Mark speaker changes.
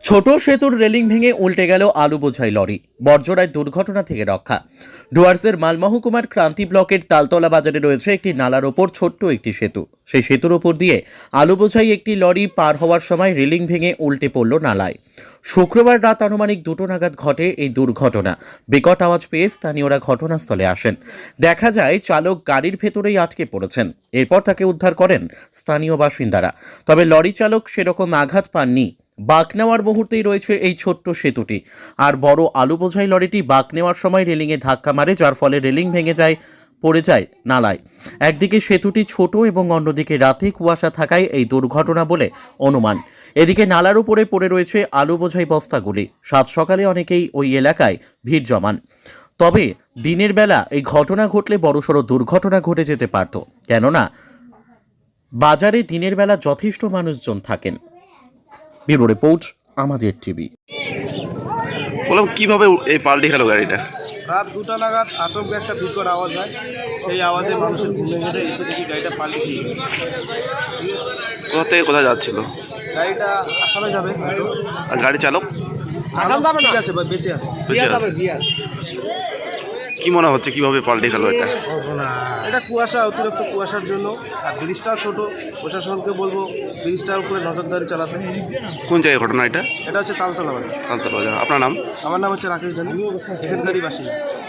Speaker 1: ছোট সেতুর রেলিং ভেঙে উল্টে গেল আলু বোঝাই লরি। বর্জরায় দুর্ঘটনা থেকে রক্ষা। ডুয়ার্সের মালমহকুমার ক্রান্তি ব্লকের তালতলা বাজারে রয়েছে একটি নালার ওপর ছোট্ট একটি সেতু। সেই সেতুর ওপর দিয়ে আলু বোঝাই একটি লরি পার হওয়ার সময় রেলিং ভেঙে উল্টে পড়ল নালায়। শুক্রবার রাত আনুমানিক 2টো নাগাদ ঘটে এই দুর্ঘটনা। বিকট আওয়াজ পেয়ে স্থানীয়রা ঘটনাস্থলে আসেন। দেখা যায় চালক গাড়ির ভেতরেই আটকে পড়েছেন। এরপর তাকে উদ্ধার করেন স্থানীয় বাসিন্দারা। তবে লরি চালক সেরকম আঘাত পাননি। বাঁক নেওয়ার মুহূর্তেই রয়েছে এই ছোট্ট সেতুটি। আর বড় আলু বোঝাই লরিটি বাঁক নেওয়ার সময় রেলিংয়ে ধাক্কা মারে, যার ফলে রেলিং ভেঙে পড়ে যায় নালায়। একদিকে সেতুটি ছোট এবং অন্যদিকে রাতে কুয়াশা থাকায় এই দুর্ঘটনা বলে অনুমান। এদিকে নালার উপরে পড়ে রয়েছে আলু বোঝাই বস্তাগুলি। সাত সকালে অনেকেই ওই এলাকায় ভিড় জমান। তবে দিনের বেলা এই ঘটনা ঘটলে বড়সড় দুর্ঘটনা ঘটে যেতে পারত, কেননা বাজারে দিনের বেলা যথেষ্ট মানুষজন থাকেন। ব্যুরো রিপোর্ট, আমাদের টিভি।
Speaker 2: বললাম কিভাবে এই পাল্টে গেল গাড়িটা?
Speaker 3: রাত 2টা নাগাদ আচমকা একটা বিকট আওয়াজ হয়। সেই আওয়াজে মানুষের ঘুমে ঘেরে এসে দেখি গাড়িটা পাল্টে গিয়ে গেছে। ঠিক আছে,
Speaker 2: কোথা থেকে কোথায় যাচ্ছিল?
Speaker 3: গাড়িটা আসামে যাবে হয়তো।
Speaker 2: আর গাড়ি চালক
Speaker 3: ঠিক আছে ভাই, বেঁচে আছে।
Speaker 2: বেঁচে আছে। কি মনে হচ্ছে কিভাবে পাল্টে গেল এটা?
Speaker 3: এটা কুয়াশা, অতিরিক্ত কুয়াশার জন্য। আর ব্রিজটাও ছোট। প্রশাসনকে বলবো ব্রিজটার উপরে নজরদারি চালাতে।
Speaker 2: কোন জায়গায় ঘটনা এটা?
Speaker 3: এটা হচ্ছে তালতলা বাজার।
Speaker 2: তালতলা বাজার। আপনার নাম?
Speaker 3: আমার নাম হচ্ছে রাকেশ জানি, এখানকারই বাসিন্দা।